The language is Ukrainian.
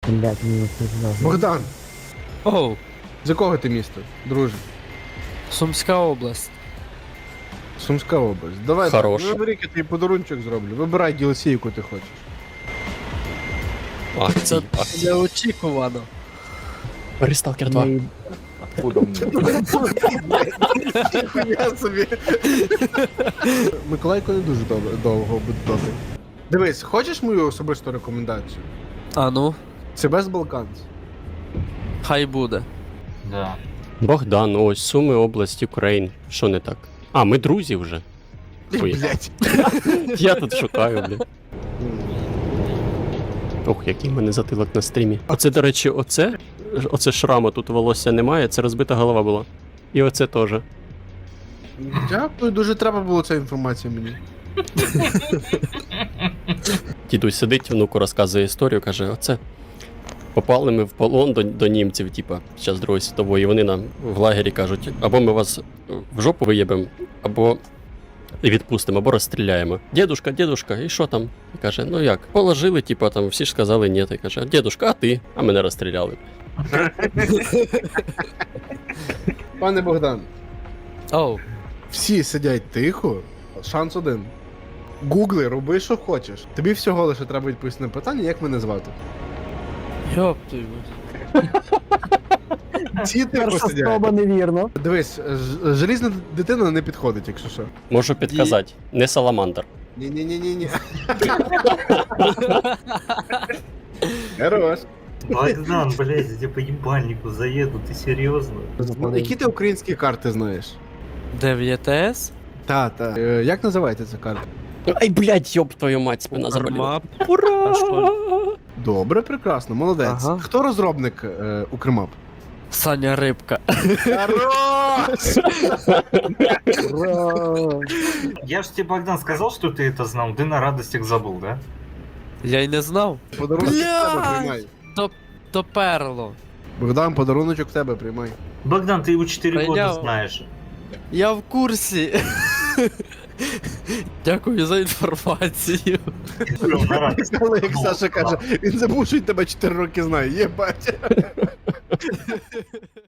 Блять, мені це знову. Богдан, Оу, з якого ти міста, друже? Сумська область. Сумська область. Давай, Хороше. так, вибери, я тобі подарунчик зроблю. Вибирай DLC, яку ти хочеш. Це Акції. неочікувано. Ресталкер 2. Ми- Ніхуя собі. Миколайко не дуже довго буде добре. Дивись, хочеш мою особисту рекомендацію? А ну, Це Best Balkans. хай буде. Да. Богдан, ось Суми, область, Україн. Що не так? А, ми друзі вже. Ой. Блять. Я тут шукаю, блядь. Ох, який в мене затилок на стрімі. Оце, до речі, оце шрама, тут волосся немає, це розбита голова була. І оце теж. Дякую, дуже треба було ця інформація мені. Дідусь сидить, внуку розказує історію, каже, оце. Попали ми в полон до німців, типа, під час Другої світової, і вони нам в лагері кажуть, або ми вас в жопу виєбемо, або відпустимо, або розстріляємо. Дідушка, і що там? І каже, ну як, положили, типа, там всі ж сказали ні. І каже, дідушка, а ти? А мене розстріляли. Пане Богдан, Оу, всі сидять тихо, шанс один. Гугли, роби, що хочеш. Тобі всього лише треба відповісти на питання, як мене звати. йоп твою. Ці тихо Перша сидять. спроба невірно. Дивись, желізна дитина не підходить, якщо що. Можу підказати, не саламандр. Ні-ні-ні-ні-ні. Хорош. Богдан, блядь, я тебе по ебальнику заеду, ты серьезно? Які ти українські карти знаєш? 9С? Та. Як називається ця карта? Ай, блядь, йоб твою мать, спина заболіла. Армап. Ура! А що? Добре, прекрасно, молодець. Ага. Хто розробник Укрмап? Саня Рибка. Хорош! Ура! Я ж тебе, Богдан, сказал, что ты это знал, ты на радостях забыл, да? Я й не знав. Подарунок в тебе Блядь! приймай. Доперло. Богдан, подаруночок в тебе приймай. Богдан, ты его 4 года Принял. знаешь. Я в курсі. Дякую за інформацію. На радостях. Але як Саша каже, він забув, що він тебе 4 роки знає. Єбать.